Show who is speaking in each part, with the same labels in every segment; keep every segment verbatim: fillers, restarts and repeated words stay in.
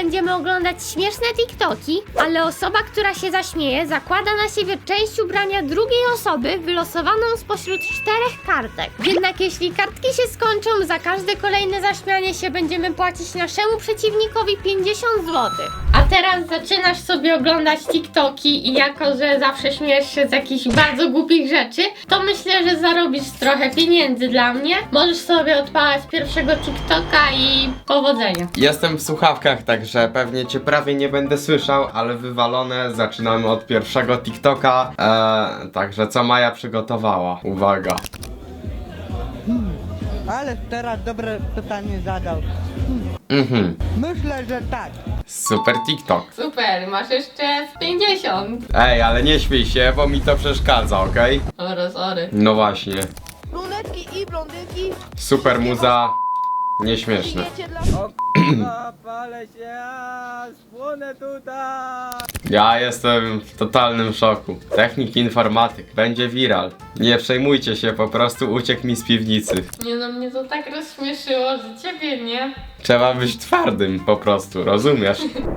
Speaker 1: będziemy oglądać śmieszne TikToki, ale osoba, która się zaśmieje, zakłada na siebie część ubrania drugiej osoby wylosowaną spośród czterech kartek. Jednak jeśli kartki się skończą, za każde kolejne zaśmianie się będziemy płacić naszemu przeciwnikowi pięćdziesiąt złotych. A teraz zaczynasz sobie oglądać TikToki i jako, że zawsze śmiejesz się z jakichś bardzo głupich rzeczy, to myślę, że zarobisz trochę pieniędzy dla mnie. Możesz sobie odpalać pierwszego TikToka i powodzenia.
Speaker 2: Jestem w słuchawkach, także pewnie cię prawie nie będę słyszał, ale wywalone. Zaczynamy od pierwszego TikToka. Eee, także co Maja przygotowała? Uwaga.
Speaker 3: Hmm, ale teraz dobre pytanie zadał.
Speaker 2: Mhm.
Speaker 3: Myślę, że tak.
Speaker 2: Super TikTok.
Speaker 1: Super, masz jeszcze z pięćdziesiąt.
Speaker 2: Ej, ale nie śmiej się, bo mi to przeszkadza, okej?
Speaker 1: Sorry, sorry.
Speaker 2: No właśnie.
Speaker 4: Brunetki i blondynki.
Speaker 2: Super muza. Nieśmieszne.
Speaker 4: Wiecie dla...
Speaker 3: O k***a, palę się, a spłonę tutaj.
Speaker 2: Ja jestem w totalnym szoku. Technik informatyk. Będzie viral. Nie przejmujcie się, po prostu uciekł mi z piwnicy.
Speaker 1: Nie no, mnie to tak rozśmieszyło, że ciebie nie.
Speaker 2: Trzeba być twardym po prostu, rozumiesz?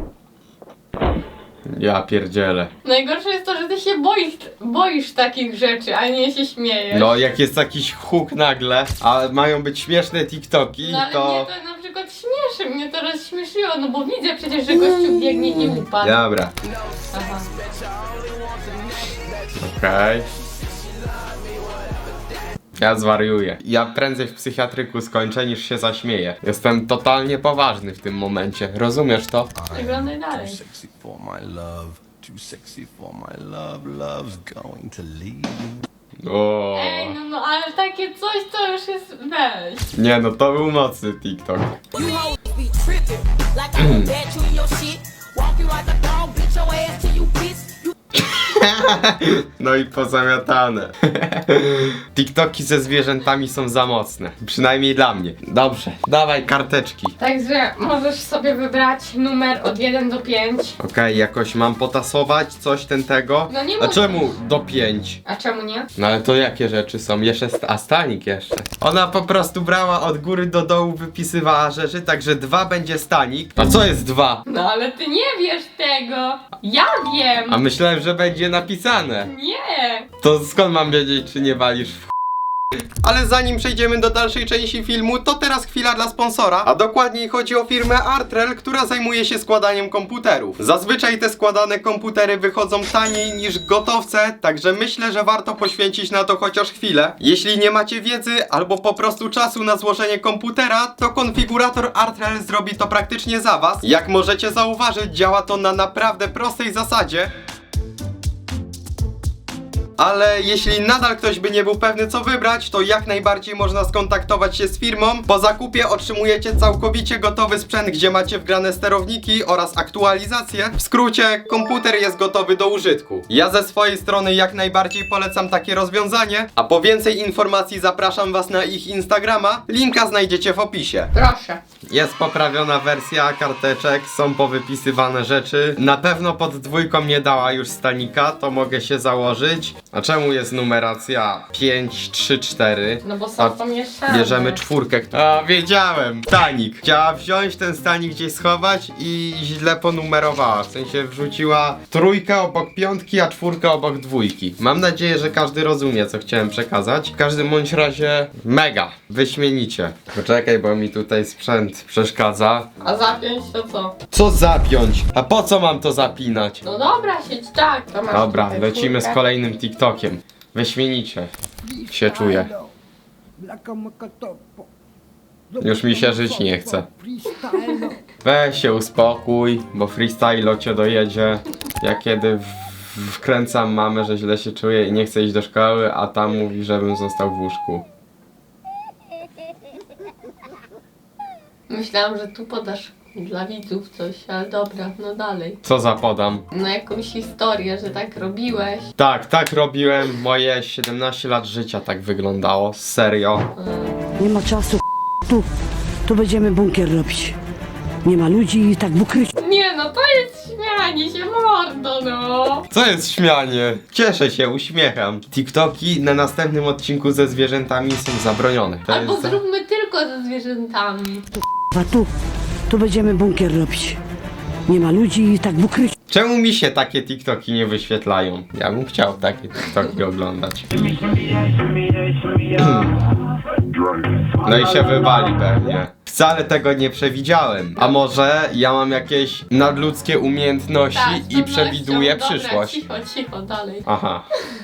Speaker 2: Ja pierdzielę.
Speaker 1: Najgorsze jest to, że ty się boisz, boisz takich rzeczy, a nie się śmiejesz.
Speaker 2: No jak jest jakiś huk nagle, a mają być śmieszne TikToki,
Speaker 1: No ale
Speaker 2: to...
Speaker 1: mnie to na przykład śmieszy, mnie to rozśmieszyło, no bo widzę przecież, że gościu biegnie i upadł.
Speaker 2: Dobra,
Speaker 1: Aha.
Speaker 2: okej. Ja zwariuję. Ja prędzej w psychiatryku skończę niż się zaśmieję. Jestem totalnie poważny w tym momencie. Rozumiesz to?
Speaker 1: Wyglądaj dalej.
Speaker 5: Sexy for my love, too sexy for my love, love's going to leave.
Speaker 2: O.
Speaker 1: Ej, no no, ale takie coś to już jest weź.
Speaker 2: Nie no, to był mocny TikTok.
Speaker 6: You hoes be trippin' like I won't bet you in your shit. Walk you like a dog, bitch your ass till you piss. You
Speaker 2: No i pozamiatane. TikToki ze zwierzętami są za mocne. Przynajmniej dla mnie. Dobrze, dawaj karteczki.
Speaker 1: Także możesz sobie wybrać numer od jeden do pięciu.
Speaker 2: Okej, jakoś mam potasować coś ten tego?
Speaker 1: No nie
Speaker 2: A
Speaker 1: możesz.
Speaker 2: czemu do pięć?
Speaker 1: A czemu nie?
Speaker 2: No ale to jakie rzeczy są? Jeszcze st a stanik jeszcze. Ona po prostu brała od góry do dołu, wypisywała rzeczy, także dwa będzie stanik. A co jest dwa?
Speaker 1: No ale ty nie wiesz tego. Ja wiem.
Speaker 2: A myślałem, że będzie napisane.
Speaker 1: Nie.
Speaker 2: To skąd mam wiedzieć, czy nie walisz w ch... Ale zanim przejdziemy do dalszej części filmu, to teraz chwila dla sponsora, a dokładniej chodzi o firmę Artrel, która zajmuje się składaniem komputerów. Zazwyczaj te składane komputery wychodzą taniej niż gotowce, także myślę, że warto poświęcić na to chociaż chwilę. Jeśli nie macie wiedzy albo po prostu czasu na złożenie komputera, to konfigurator Artrel zrobi to praktycznie za was. Jak możecie zauważyć, działa to na naprawdę prostej zasadzie. Ale jeśli nadal ktoś by nie był pewny co wybrać, to jak najbardziej można skontaktować się z firmą. Po zakupie otrzymujecie całkowicie gotowy sprzęt, gdzie macie wgrane sterowniki oraz aktualizacje. W skrócie, komputer jest gotowy do użytku. Ja ze swojej strony jak najbardziej polecam takie rozwiązanie, a po więcej informacji zapraszam was na ich Instagrama. Linka znajdziecie w opisie.
Speaker 1: Proszę.
Speaker 2: Jest poprawiona wersja karteczek, są powypisywane rzeczy. Na pewno pod dwójką nie dała już stanika, to mogę się założyć. A czemu jest numeracja pięć, trzy, cztery?
Speaker 1: No bo są
Speaker 2: A
Speaker 1: pomieszane.
Speaker 2: bierzemy czwórkę. A wiedziałem! Stanik. Chciała wziąć ten stanik gdzieś schować i źle ponumerowała. W sensie wrzuciła trójkę obok piątki, a czwórkę obok dwójki. Mam nadzieję, że każdy rozumie, co chciałem przekazać. W każdym bądź razie mega. Wyśmienicie. Poczekaj, bo mi tutaj sprzęt przeszkadza.
Speaker 1: A zapiąć to co?
Speaker 2: Co zapiąć? A po co mam to zapinać?
Speaker 1: No dobra, siedź tak. To masz
Speaker 2: Dobra,
Speaker 1: tutaj
Speaker 2: lecimy z
Speaker 1: czwórkę.
Speaker 2: kolejnym TikTokiem. Wyśmienicie się czuję. Już mi się żyć nie chce. Weź się uspokój, bo freestylo cię dojedzie. Ja kiedy w- wkręcam mamę, że źle się czuję i nie chcę iść do szkoły, a tam mówi, żebym został w łóżku.
Speaker 1: Myślałam, że tu podasz dla widzów coś, ale dobra, no dalej.
Speaker 2: Co zapodam?
Speaker 1: No jakąś historię, że tak robiłeś.
Speaker 2: Tak, tak robiłem. Moje siedemnaście lat życia tak wyglądało. Serio.
Speaker 7: Nie ma czasu, tu, tu będziemy bunkier robić. Nie ma ludzi i tak w ukryciu.
Speaker 1: Nie no, to jest śmianie się mordo, no.
Speaker 2: Co jest śmianie? Cieszę się, uśmiecham. TikToki na następnym odcinku ze zwierzętami są zabronione. To
Speaker 1: Albo
Speaker 2: jest za-
Speaker 1: zróbmy tylko ze zwierzętami.
Speaker 7: A tu, tu będziemy bunkier robić. Nie ma ludzi, tak w ukryciu.
Speaker 2: Czemu mi się takie TikToki nie wyświetlają? Ja bym chciał takie TikToki oglądać. No i się wywali pewnie. Wcale tego nie przewidziałem. A może ja mam jakieś nadludzkie umiejętności
Speaker 1: Tak,
Speaker 2: i przewiduję
Speaker 1: dobra,
Speaker 2: przyszłość.
Speaker 1: Cicho, cicho, dalej.
Speaker 2: Aha.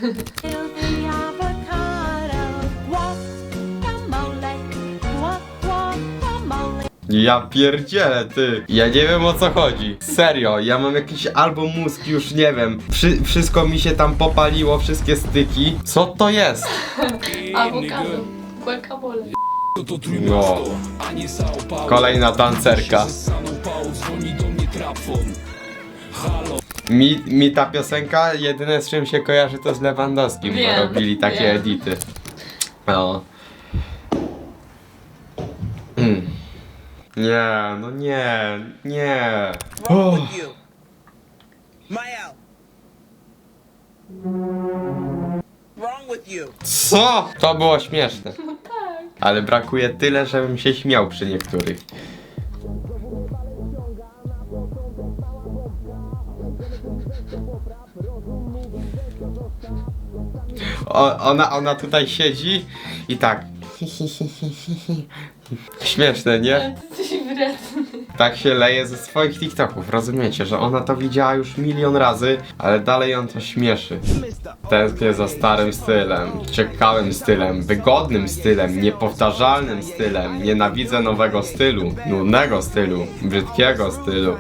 Speaker 2: Ja pierdzielę, ty. Ja nie wiem o co chodzi. Serio, ja mam jakiś albo mózg, już nie wiem. Wszy wszystko mi się tam popaliło, wszystkie styki. Co to jest?
Speaker 1: Awokado. Guacamole.
Speaker 2: No. Kolejna tancerka. Mi, mi ta piosenka jedyne z czym się kojarzy to z Lewandowskim,
Speaker 1: Wiem,
Speaker 2: bo robili takie
Speaker 1: wiem.
Speaker 2: edity. No. Mm. Nie, no nie, nie.
Speaker 3: Wrong with you? Maya. Wrong with you?
Speaker 2: Co? To było śmieszne. Ale brakuje tyle, żebym się śmiał przy niektórych. O, ona, ona tutaj siedzi i tak. Śmieszne, nie?
Speaker 1: Ale ty jesteś wredny.
Speaker 2: Tak się leje ze swoich TikToków, rozumiecie, że ona to widziała już milion razy, ale dalej ją to śmieszy. Tęsknię za starym stylem, ciekawym stylem, wygodnym stylem, niepowtarzalnym stylem. Nienawidzę nowego stylu, nudnego stylu, brzydkiego stylu.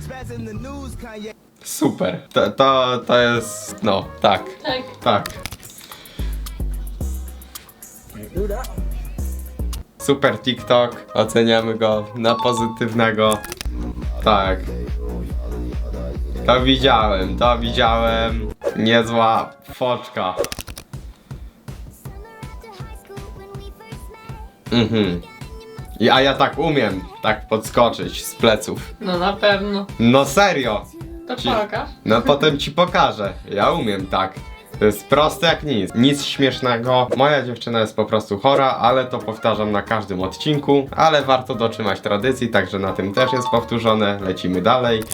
Speaker 2: Super. To, to, to jest... no, tak,
Speaker 1: Tak.
Speaker 2: tak. Super TikTok, oceniamy go na pozytywnego. Tak. To widziałem, to widziałem. Niezła foczka. Mhm. I, a ja tak umiem, tak podskoczyć z pleców.
Speaker 1: No na pewno.
Speaker 2: No serio.
Speaker 1: To
Speaker 2: Ci-
Speaker 1: pokaż.
Speaker 2: No potem ci pokażę. Ja umiem tak. To jest proste jak nic. Nic śmiesznego. Moja dziewczyna jest po prostu chora, ale to powtarzam na każdym odcinku. Ale warto dotrzymać tradycji, także na tym też jest powtórzone. Lecimy dalej.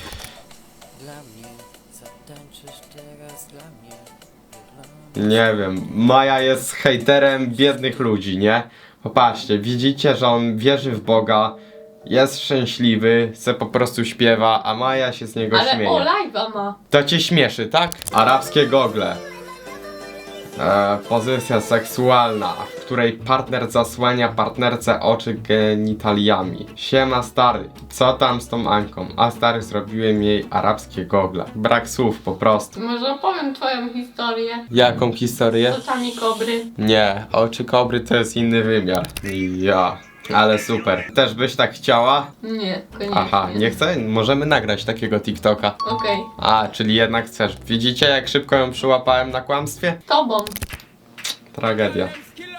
Speaker 2: Nie wiem. Maja jest hejterem biednych ludzi, nie? Popatrzcie, widzicie, że on wierzy w Boga, jest szczęśliwy, se po prostu śpiewa, a Maja się z niego
Speaker 1: Ale
Speaker 2: śmieje.
Speaker 1: o, live'a ma.
Speaker 2: To cię śmieszy, tak? Arabskie gogle. E, pozycja seksualna, w której partner zasłania partnerce oczy genitaliami. Siema stary, co tam z tą Anką? A stary, zrobiłem jej arabskie gogle. Brak słów po prostu.
Speaker 1: Może opowiem twoją historię
Speaker 2: Jaką historię?
Speaker 1: z oczami kobry.
Speaker 2: Nie, oczy kobry to jest inny wymiar. Ja. Ale super. Też byś tak chciała?
Speaker 1: Nie, koniecznie.
Speaker 2: Aha, nie chcę? Możemy nagrać takiego TikToka.
Speaker 1: Okej.
Speaker 2: A, czyli jednak chcesz. Widzicie, jak szybko ją przyłapałem na kłamstwie?
Speaker 1: Tobą.
Speaker 2: Tragedia.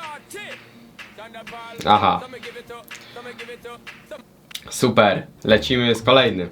Speaker 2: Aha. Super. Lecimy z kolejnym.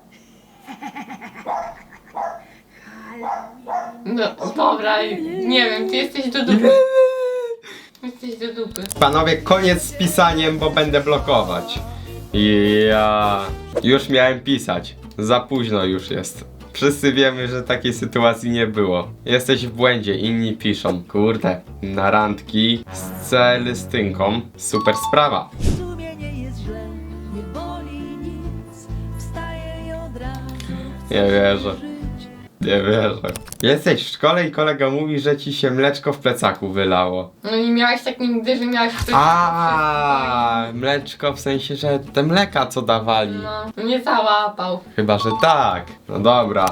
Speaker 1: No, dobra, nie wiem, ty jesteś do dupy. Jesteś do dupy.
Speaker 2: Panowie, koniec z pisaniem, bo będę blokować. Ja już miałem pisać. Za późno już jest. Wszyscy wiemy, że takiej sytuacji nie było. Jesteś w błędzie, inni piszą. Kurde, na randki z celestynką. Super sprawa.
Speaker 8: W sumie nie jest źle, nie boli nic, wstaję i od razu
Speaker 2: Nie wierzę. Nie wierzę. Jesteś w szkole i kolega mówi, że ci się mleczko w plecaku wylało.
Speaker 1: No nie miałeś tak nigdy, że miałeś coś...
Speaker 2: A, mleczko w sensie, że te mleka co dawali.
Speaker 1: No, nie załapał.
Speaker 2: Chyba, że tak. No dobra.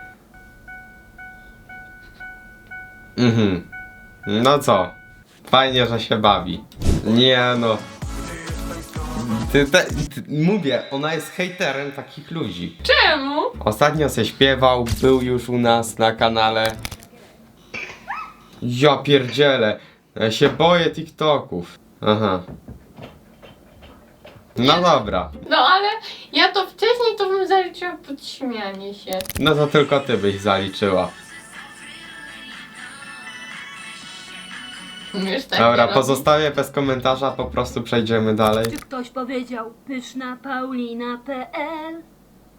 Speaker 2: Mhm. No co? Fajnie, że się bawi. Nie no. Ty, te, ty, mówię, ona jest hejterem takich ludzi.
Speaker 1: Czemu?
Speaker 2: Ostatnio se śpiewał, był już u nas na kanale. Ja pierdzielę. Ja się boję TikToków. Aha. No dobra.
Speaker 1: No ale ja to wcześniej to bym zaliczyła pod śmianie się.
Speaker 2: No to tylko ty byś zaliczyła.
Speaker 1: Wiesz, tak
Speaker 2: Dobra,
Speaker 1: nie robi.
Speaker 2: pozostawię bez komentarza, po prostu przejdziemy dalej.
Speaker 8: Czy ktoś powiedział pyszna paulina kropka p l?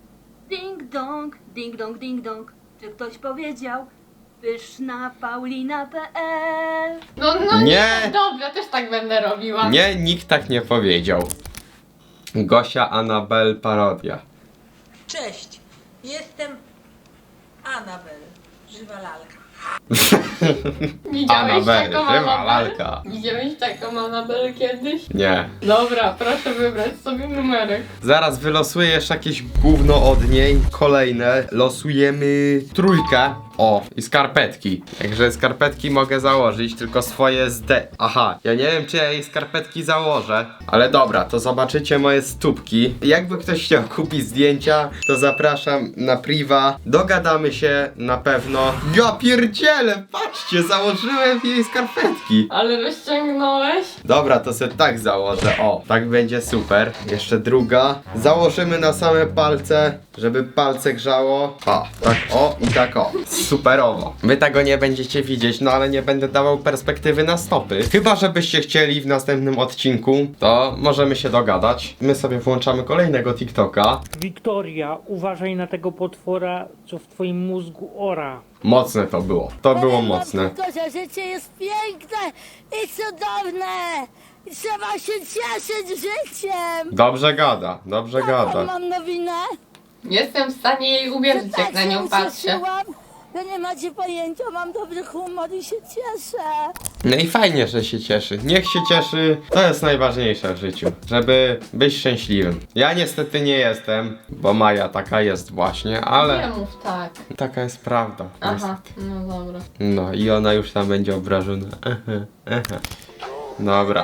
Speaker 8: Ding dong, ding dong, ding dong. Czy ktoś powiedział? Pyszna Paulina kropka pe el.
Speaker 1: No, no nie.
Speaker 2: Nie.
Speaker 1: Dobra, też tak będę robiła.
Speaker 2: Nie, nikt tak nie powiedział. Gosia Anabel parodia.
Speaker 9: Cześć, jestem Anabel, żywa lalka.
Speaker 1: Widziałeś
Speaker 2: Anabel,
Speaker 1: taką
Speaker 2: żywa
Speaker 1: Anabel?
Speaker 2: lalka.
Speaker 1: Widziałeś taką Anabel kiedyś?
Speaker 2: Nie.
Speaker 1: Dobra, proszę wybrać sobie numerek.
Speaker 2: Zaraz wylosuję jeszcze jakieś gówno od niej. Kolejne. Losujemy trójkę. O, i skarpetki. Także skarpetki mogę założyć, tylko swoje z D. Aha, ja nie wiem, czy ja jej skarpetki założę. Ale dobra, to zobaczycie moje stópki. Jakby ktoś chciał kupić zdjęcia, to zapraszam na priva. Dogadamy się na pewno. Ja pierdzielę, patrzcie, założyłem jej skarpetki.
Speaker 1: Ale rozciągnąłeś?
Speaker 2: Dobra, to sobie tak założę. O, tak będzie super. Jeszcze druga. Założymy na same palce, żeby palce grzało. O, tak o i tak o. Superowo. Wy tego nie będziecie widzieć, no ale nie będę dawał perspektywy na stopy. Chyba, żebyście chcieli w następnym odcinku, to możemy się dogadać. My sobie włączamy kolejnego TikToka.
Speaker 10: Wiktoria, uważaj na tego potwora, co w twoim mózgu ora.
Speaker 2: Mocne to było. To było mocne.
Speaker 4: To, że życie jest piękne i cudowne. I trzeba się cieszyć życiem.
Speaker 2: Dobrze gada, dobrze
Speaker 4: Jaką
Speaker 2: gada.
Speaker 4: mam nowinę?
Speaker 1: Jestem w stanie jej uwierzyć, jak na nią patrzę.
Speaker 4: ucieszyłam. Wy nie macie pojęcia, mam dobry humor i się cieszę.
Speaker 2: No i fajnie, że się cieszy. Niech się cieszy. To jest najważniejsze w życiu. Żeby być szczęśliwym. Ja niestety nie jestem, bo Maja taka jest właśnie,
Speaker 1: Nie
Speaker 2: ale
Speaker 1: mów tak.
Speaker 2: taka jest prawda.
Speaker 1: Aha, no dobra.
Speaker 2: No i ona już tam będzie obrażona. Aha, aha. Dobra.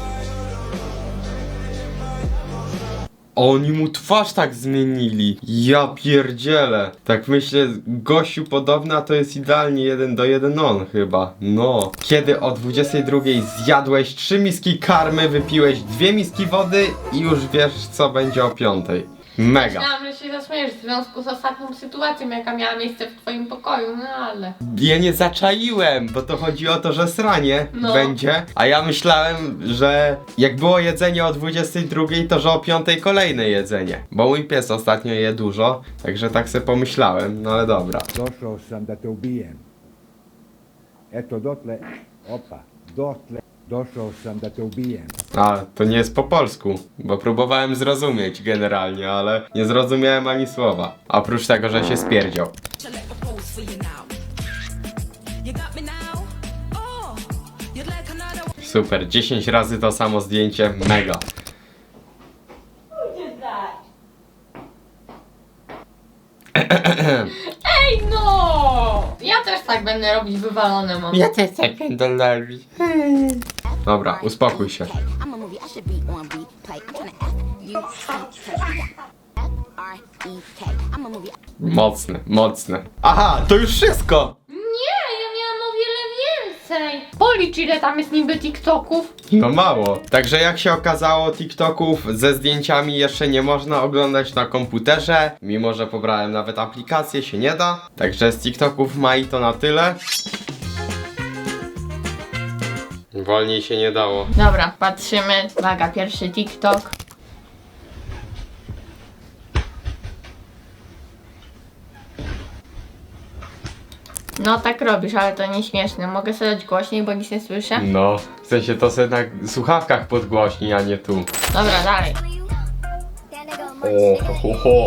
Speaker 2: Oni mu twarz tak zmienili. Ja pierdzielę. Tak myślę, gościu podobna to jest idealnie jeden do jeden on chyba. No. Kiedy o dwudziestej drugiej zjadłeś trzy miski karmy, wypiłeś dwie miski wody i już wiesz co będzie o piątej. Mega.
Speaker 1: Myślałam, że się zaśmiejesz w związku z ostatnią sytuacją, jaka miała miejsce w twoim pokoju, no ale...
Speaker 2: Ja nie zaczaiłem, bo to chodzi o to, że sranie
Speaker 1: No.
Speaker 2: będzie, a ja myślałem, że jak było jedzenie o dwudziestej drugiej, to że o piątej kolejne jedzenie. Bo mój pies ostatnio je dużo, także tak sobie pomyślałem, no ale dobra.
Speaker 3: Došao sam da te ubijem. Eto dotle, opa, dotle, došao sam da te ubijem.
Speaker 2: A, to nie jest po polsku, bo próbowałem zrozumieć generalnie, ale nie zrozumiałem ani słowa. Oprócz tego, że się spierdział. Super, dziesięć razy to samo zdjęcie, mega.
Speaker 1: Ej no! Ja też tak będę robić, wywalone mam.
Speaker 2: Ja też tak będę robić. Dobra, uspokój się.
Speaker 6: I'm a movie, I should be on replay. I'm tryna F U C K. R E K. I'm a movie.
Speaker 2: Mocne, mocne. Aha, to już wszystko!
Speaker 1: Nie, ja miałam o wiele więcej. Policz, ile tam jest niby TikToków.
Speaker 2: No mało. Także jak się okazało, TikToków ze zdjęciami jeszcze nie można oglądać na komputerze. Mimo, że pobrałem nawet aplikację, się nie da. Także z TikToków Mai to na tyle. Wolniej się nie dało.
Speaker 1: Dobra, patrzymy. Uwaga, pierwszy TikTok. No tak robisz, ale to nie śmieszne. Mogę sobie dać głośniej, bo nic nie słyszę?
Speaker 2: No, w sensie to sobie na słuchawkach podgłośni, a nie tu.
Speaker 1: Dobra, dalej.
Speaker 2: O, ho, ho.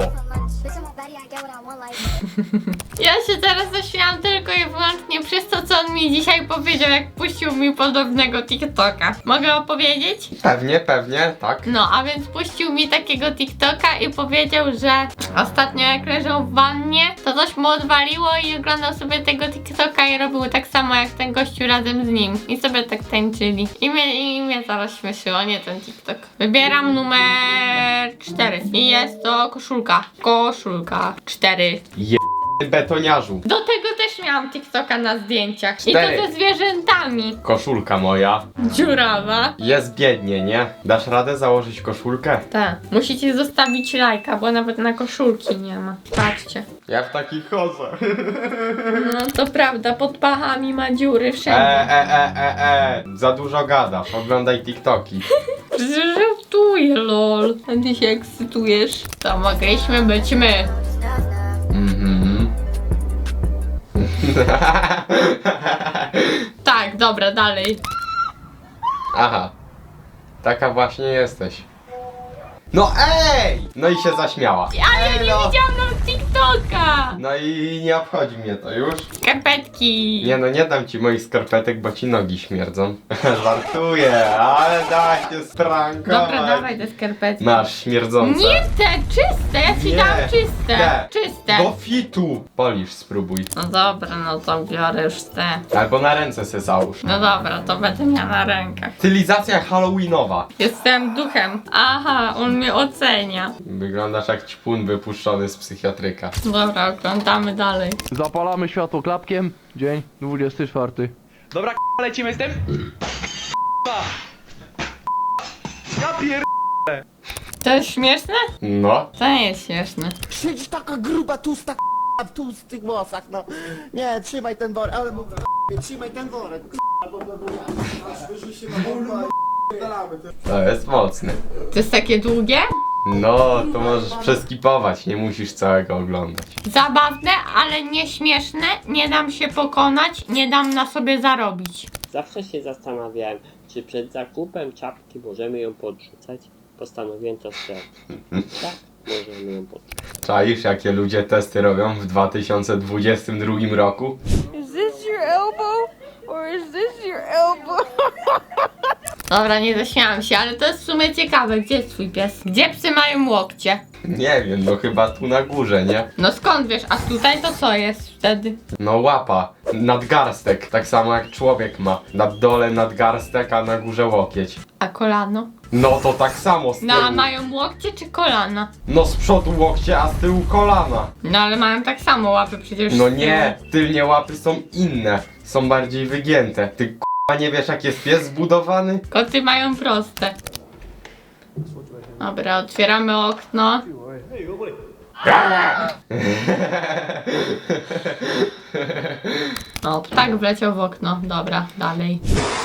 Speaker 1: Ja się teraz zaśmiałam tylko i wyłącznie przez to, co on mi dzisiaj powiedział, jak puścił mi podobnego TikToka. Mogę opowiedzieć?
Speaker 2: Pewnie, pewnie, tak.
Speaker 1: No, a więc puścił mi takiego TikToka i powiedział, że ostatnio jak leżał w wannie, to coś mu odwaliło i oglądał sobie tego TikToka i robił tak samo jak ten gościu razem z nim. I sobie tak tańczyli. I mnie, i mnie zaraz śmieszyło, nie ten TikTok. Wybieram numer cztery. I jest to koszulka. Koszulka cztery.
Speaker 2: Betoniarzu.
Speaker 1: Do tego też miałam TikToka na zdjęciach.
Speaker 2: Cztery.
Speaker 1: I to ze zwierzętami.
Speaker 2: Koszulka moja.
Speaker 1: Dziurawa.
Speaker 2: Jest biednie, nie? Dasz radę założyć koszulkę?
Speaker 1: Tak. Musicie zostawić lajka, bo nawet na koszulki nie ma. Patrzcie.
Speaker 2: Ja w takich chodzę.
Speaker 1: No to prawda, pod pachami ma dziury
Speaker 2: E,
Speaker 1: wszędzie.
Speaker 2: e, e, e, e. Za dużo gadasz, oglądaj TikToki.
Speaker 1: Żartuję, lol. A ty się ekscytujesz. To mogliśmy być my.
Speaker 2: Mhm.
Speaker 1: Tak, dobra, dalej.
Speaker 2: Aha. Taka właśnie jesteś. No ej! No i się zaśmiała.
Speaker 1: Ale ja nie
Speaker 2: Ej, no.
Speaker 1: widziałam na TikToka!
Speaker 2: No i nie obchodzi mnie to już.
Speaker 1: Skarpetki.
Speaker 2: Nie no, nie dam ci moich skarpetek, bo ci nogi śmierdzą. Żartuję, ale da się sprankować.
Speaker 1: Dobra, dawaj te skarpetki.
Speaker 2: Masz śmierdzące.
Speaker 1: Nie te, czyste, ja ci
Speaker 2: Nie,
Speaker 1: dam czyste.
Speaker 2: te.
Speaker 1: Czyste.
Speaker 2: Do fitu. Polisz, spróbuj.
Speaker 1: No dobra, no to biorę już te.
Speaker 2: Albo na ręce se załóż.
Speaker 1: No dobra, to będę miała na rękach.
Speaker 2: Stylizacja halloweenowa.
Speaker 1: Jestem duchem. Aha, on mnie ocenia.
Speaker 2: Wyglądasz jak ćpun wypuszczony z psychiatryka.
Speaker 1: Dobra, oglądamy dalej.
Speaker 11: Zapalamy światło klapkiem. Dzień dwudziesty czwarty.
Speaker 12: Dobra, k***a, lecimy z tym? Ja pier...
Speaker 1: To jest śmieszne?
Speaker 2: No.
Speaker 1: To nie jest śmieszne.
Speaker 13: Siedzisz taka gruba, tłusta k***a w tłustych włosach, no. Nie, trzymaj ten worek, ale mów k***a, trzymaj ten worek, k***a, bo bo- bo ja aż wyżuj się na wolno,
Speaker 2: To jest mocne.
Speaker 1: To jest takie długie?
Speaker 2: No, to możesz przeskipować, nie musisz całego oglądać.
Speaker 1: Zabawne, ale nie śmieszne. Nie dam się pokonać, nie dam na sobie zarobić.
Speaker 14: Zawsze się zastanawiałem, czy przed zakupem czapki możemy ją podrzucać. Postanowiłem to sprawdzić. Tak, możemy ją podrzucać.
Speaker 2: Czaisz, jakie ludzie testy robią w dwa tysiące dwudziestym drugim roku?
Speaker 4: Is this your elbow? Or is this your elbow?
Speaker 1: Dobra, nie zaśmiałam się, ale to jest w sumie ciekawe. Gdzie jest twój pies? Gdzie psy mają łokcie?
Speaker 2: Nie wiem, no chyba tu na górze, nie?
Speaker 1: No skąd wiesz? A tutaj to co jest wtedy?
Speaker 2: No łapa, nadgarstek, tak samo jak człowiek ma. Na dole nadgarstek, a na górze łokieć.
Speaker 1: A kolano?
Speaker 2: No to tak samo z tyłu.
Speaker 1: No a mają łokcie czy kolana?
Speaker 2: No z przodu łokcie, a z tyłu kolana.
Speaker 1: No ale mają tak samo łapy przecież.
Speaker 2: No
Speaker 1: z tyłu.
Speaker 2: nie, tylnie łapy są inne, są bardziej wygięte. Ty k***a nie wiesz jak jest pies zbudowany?
Speaker 1: Koty mają proste. Dobra, otwieramy okno. O, ptak wleciał w okno. Dobra, dalej.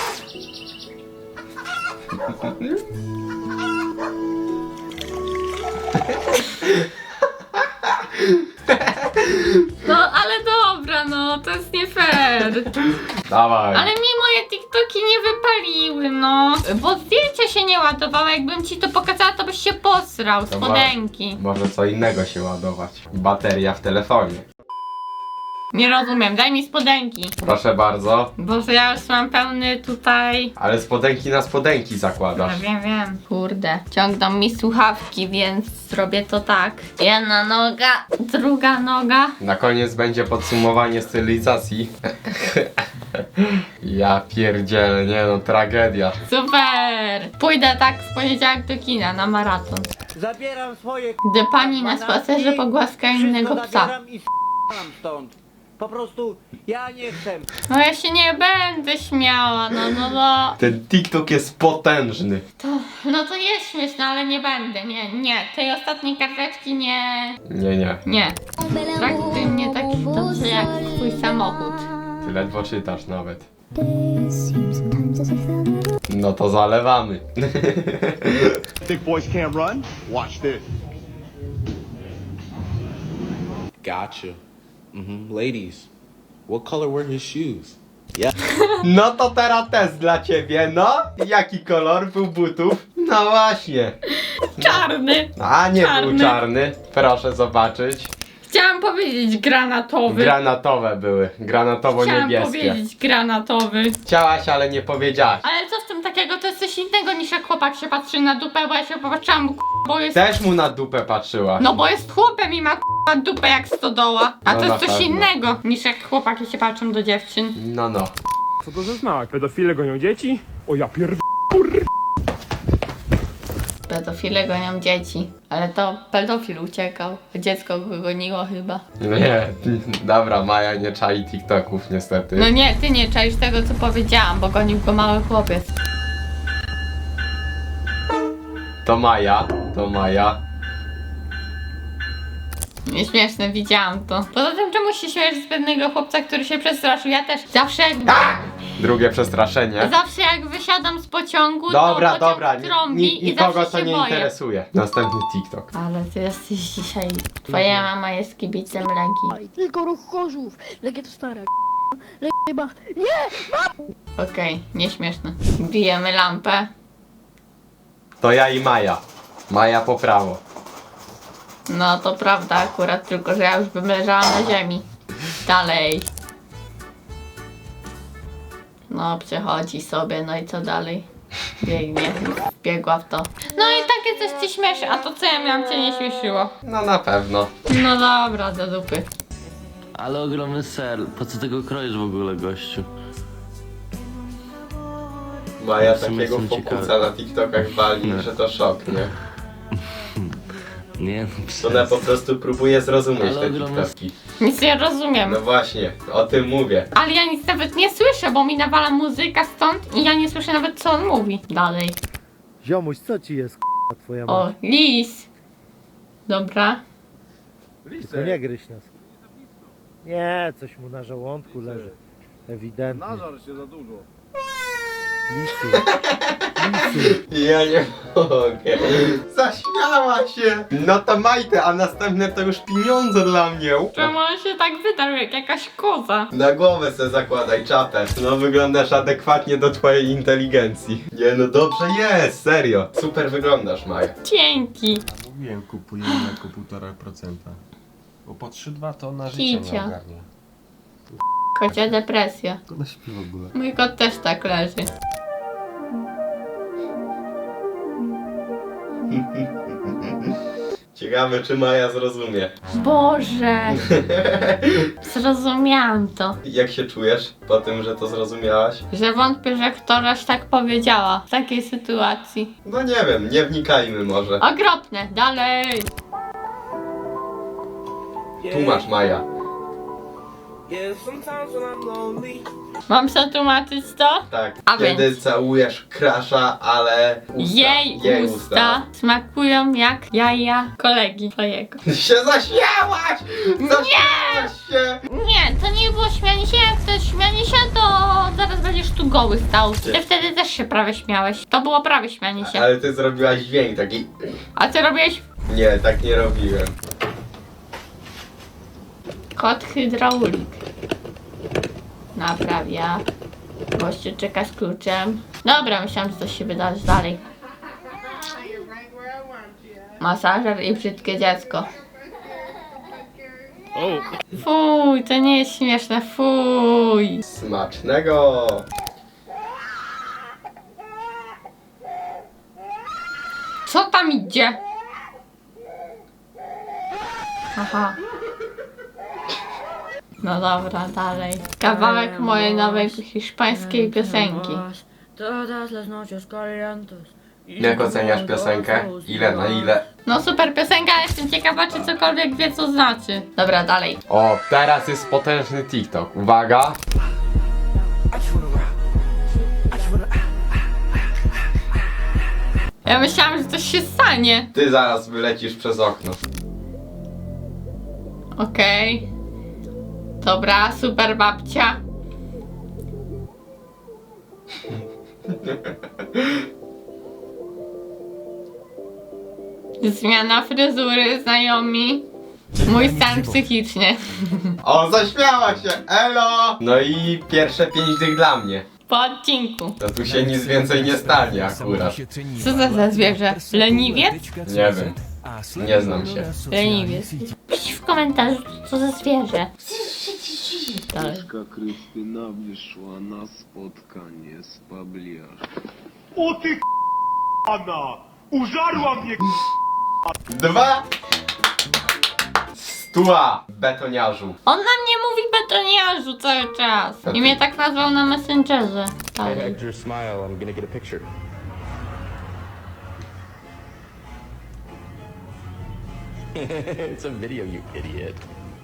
Speaker 1: No, ale dobra, no, to jest nie fair.
Speaker 2: Dawaj.
Speaker 1: Ale mi moje TikToki nie wypaliły, no. Bo zdjęcia się nie ładowały. Jakbym ci to pokazała, to byś się posrał.
Speaker 2: To mo-
Speaker 1: Spodenki.
Speaker 2: Może co innego się ładować. Bateria w telefonie.
Speaker 1: Nie rozumiem, daj mi spodenki.
Speaker 2: Proszę bardzo.
Speaker 1: Boże, ja już mam pełny tutaj.
Speaker 2: Ale spodenki na spodenki
Speaker 1: No
Speaker 2: zakładasz.
Speaker 1: wiem, wiem. Kurde, ciągną mi słuchawki, więc zrobię to tak. Jedna noga, druga noga.
Speaker 2: Na koniec będzie podsumowanie stylizacji. Ja pierdzielę, nie no, tragedia.
Speaker 1: Super! Pójdę tak w poniedziałek do kina na maraton.
Speaker 13: Zabieram swoje
Speaker 1: Gdy pani na spacerze pogłaska innego psa.
Speaker 13: i s***am stąd. Po prostu ja nie chcę.
Speaker 1: No ja się nie będę śmiała, no no no.
Speaker 2: Ten TikTok jest potężny.
Speaker 1: To, no to jest śmieszne, ale nie będę, nie, nie. Tej ostatniej karteczki nie,
Speaker 2: Nie, nie.
Speaker 1: nie. Traktuj mnie tak dobrze jak twój samochód.
Speaker 2: Ty ledwo czytasz nawet. No to zalewamy.
Speaker 12: Think boys can't run? Watch this.
Speaker 15: Gotcha. Mm-hmm. Ladies, what color were his shoes? Yeah.
Speaker 2: No to teraz test dla ciebie, no. Jaki kolor był butów? No właśnie.
Speaker 1: Czarny.
Speaker 2: A nie
Speaker 1: Czarny.
Speaker 2: był czarny. Proszę zobaczyć.
Speaker 1: Chciałam powiedzieć granatowy.
Speaker 2: Granatowe były.
Speaker 1: Chciałam
Speaker 2: Granatowo-niebieskie.
Speaker 1: powiedzieć granatowy.
Speaker 2: Chciałaś, ale nie powiedziałaś.
Speaker 1: Ale co w tym takiego? To jest coś innego niż jak chłopak się patrzy na dupę, bo ja się popatrzyłam, bo, k- bo jest...
Speaker 2: Też mu na dupę patrzyłaś.
Speaker 1: No bo jest chłopem i ma k***a dupę jak stodoła. A
Speaker 2: No
Speaker 1: to
Speaker 2: na
Speaker 1: jest coś
Speaker 2: pewno.
Speaker 1: innego niż jak chłopaki się patrzą do dziewczyn.
Speaker 2: No no.
Speaker 12: Co to za znak? Pedofile gonią dzieci? O ja pier...
Speaker 1: Pedofile gonią dzieci. Ale to pedofil uciekał. Dziecko go goniło chyba.
Speaker 2: Nie, dobra, Maja nie czai TikToków niestety.
Speaker 1: No nie, ty nie czaisz tego co powiedziałam, bo gonił go mały chłopiec.
Speaker 2: To Maja, to Maja.
Speaker 1: Nieśmieszne, widziałam to. Poza tym czemu się śmiesz z pewnego chłopca, który się przestraszył? Ja też zawsze jak...
Speaker 2: Drugie przestraszenie.
Speaker 1: Zawsze jak wysiadam z pociągu,
Speaker 2: Dobra,
Speaker 1: to
Speaker 2: dobra,
Speaker 1: pociąg
Speaker 2: ni-
Speaker 1: trąbi
Speaker 2: ni-
Speaker 1: i
Speaker 2: nikogo
Speaker 1: zawsze
Speaker 2: to
Speaker 1: się
Speaker 2: nie
Speaker 1: boję.
Speaker 2: interesuje. Następny TikTok.
Speaker 1: Ale ty jesteś dzisiaj... Twoja mama jest kibicem Legii.
Speaker 4: Tylko ruch Chorzów. Legia to stara Legia chyba... Nie!
Speaker 1: Okej, nieśmieszne. Bijemy lampę.
Speaker 2: To ja i Maja. Maja po prawo.
Speaker 1: No to prawda akurat, tylko że ja już bym leżała na ziemi. Dalej. No przechodzi sobie, no i co dalej? Biegnie, biegła w to. No i takie coś ci śmieszy, a to co ja miałam cię nie śmieszyło?
Speaker 2: No na pewno.
Speaker 1: No dobra, do dupy.
Speaker 16: Ale ogromny ser, po co tego kroisz w ogóle, gościu?
Speaker 2: Maja
Speaker 16: W sumie
Speaker 2: takiego
Speaker 16: jestem
Speaker 2: fokusa
Speaker 16: ciekawy.
Speaker 2: na TikTokach wali, że to szok, nie?
Speaker 16: Nie, no
Speaker 2: Ona po prostu próbuje zrozumieć
Speaker 16: Ale
Speaker 2: te
Speaker 16: ogromny-
Speaker 2: TikToki.
Speaker 1: Nic nie rozumiem.
Speaker 2: No właśnie, o tym mówię.
Speaker 1: Ale ja nic nawet nie słyszę, bo mi nawala muzyka stąd i ja nie słyszę nawet co on mówi. Dalej.
Speaker 17: Ziomuś, co ci jest, k***a, twoja
Speaker 1: O,
Speaker 17: mać?
Speaker 1: lis. Dobra.
Speaker 17: Tylko nie gryź nas. Nie, coś mu na żołądku leży. Ewidentnie.
Speaker 12: Nażar się za dużo.
Speaker 17: Lisu. Lisu.
Speaker 2: Ja nie mogę. Zaśmiała się. No to majte, a następne to już pieniądze dla mnie.
Speaker 1: Czemu on się tak wydarł jak jakaś koza?
Speaker 2: Na głowę se zakładaj czapę. No wyglądasz adekwatnie do twojej inteligencji. Nie no dobrze jest, serio. Super wyglądasz, Maja.
Speaker 1: Dzięki.
Speaker 18: Mówiłem, kupujemy jako półtora procenta. Bo po trzy dwa to na życie nie
Speaker 1: Kicia.
Speaker 18: ogarnie.
Speaker 1: Kocia depresja.
Speaker 18: Ona śpi w ogóle.
Speaker 1: Mój kot też tak leży.
Speaker 2: Ciekawe czy Maja zrozumie.
Speaker 1: Boże. Zrozumiałam to.
Speaker 2: Jak się czujesz po tym, że to zrozumiałaś?
Speaker 1: Że wątpię, że któraś tak powiedziała w takiej sytuacji.
Speaker 2: No nie wiem, nie wnikajmy może.
Speaker 1: Okropne. Dalej.
Speaker 2: Tu masz Maja.
Speaker 1: Mam przetłumaczyć to?
Speaker 2: Tak.
Speaker 1: A
Speaker 2: Kiedy
Speaker 1: więc.
Speaker 2: całujesz krasza, ale usta.
Speaker 1: Jej, usta, smakują jak jaja kolegi twojego.
Speaker 2: Się zaśmiałaś! Zaśmiałaś się!
Speaker 1: Nie, to nie było śmianie się. Jak to jest śmianie się, to zaraz będziesz tu goły stał. Ty wtedy też się prawie śmiałeś. To było prawie śmianie się.
Speaker 2: Ale ty zrobiłaś dźwięk taki...
Speaker 1: A ty robiłeś
Speaker 2: Nie, tak nie robiłem.
Speaker 1: kot hydraulik. Naprawia. Gościu czeka z kluczem. Dobra, myślałam, że coś się wydarzy dalej. Masażer i brzydkie dziecko. Fuj, to nie jest śmieszne, fuj.
Speaker 2: Smacznego!
Speaker 1: Co tam idzie? Aha. No dobra, dalej. Kawałek mojej nowej hiszpańskiej piosenki.
Speaker 2: Jak oceniasz piosenkę? Ile na ile?
Speaker 1: No super piosenka, ale jestem ciekawa, czy cokolwiek wie, co znaczy. Dobra, dalej.
Speaker 2: O, teraz jest potężny TikTok. Uwaga!
Speaker 1: Ja myślałam, że coś się stanie.
Speaker 2: Ty zaraz wylecisz przez okno.
Speaker 1: Okej. Dobra, super babcia. Zmiana fryzury, znajomi. Mój stan psychiczny.
Speaker 2: O, zaśmiała się! Elo! No i pierwsze pięć dych dla mnie.
Speaker 1: Po odcinku.
Speaker 2: To tu się nic więcej nie stanie akurat.
Speaker 1: Co za za zwierzę? Leniwiec?
Speaker 2: Nie wiem. Nie znam się.
Speaker 1: Leniwiec. Pisz w komentarzu, co za zwierzę. Dalej.
Speaker 19: Krystyna wyszła na spotkanie z Pabliarzem.
Speaker 12: O ty k***ana! Użarła mnie
Speaker 2: Dwa! Stua, betoniarzu.
Speaker 1: On na mnie mówi betoniarzu cały czas. I mnie tak nazwał na Messengerze. Dalej.
Speaker 20: Hector, smile. I'm gonna get a picture. It's a video, you idiot.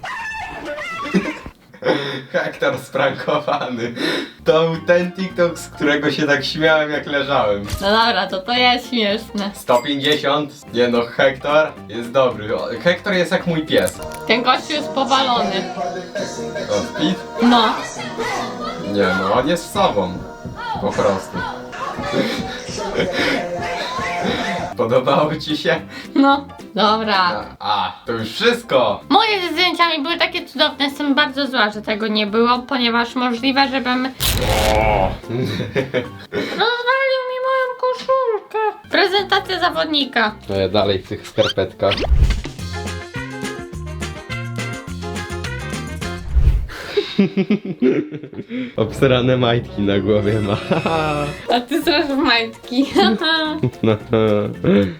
Speaker 2: Hektor sprankowany. To był ten TikTok, z którego się tak śmiałem jak leżałem.
Speaker 1: No dobra, to to jest śmieszne.
Speaker 2: sto pięćdziesiąt. Nie no, Hektor jest dobry. O, Hektor jest jak mój pies.
Speaker 1: Ten gościu jest powalony.
Speaker 2: O, Speed?
Speaker 1: No.
Speaker 2: Nie no, on jest sobą. Po prostu. Podobało ci się?
Speaker 1: No, dobra.
Speaker 2: A, to już wszystko!
Speaker 1: Moje ze zdjęciami były takie cudowne, jestem bardzo zła, że tego nie było, ponieważ możliwe, żebym...
Speaker 2: O!
Speaker 1: Rozwalił mi moją koszulkę. Prezentacja zawodnika.
Speaker 2: No ja dalej w tych skarpetkach. Obsrane majtki na głowie ma.
Speaker 1: A ty strasz w majtki.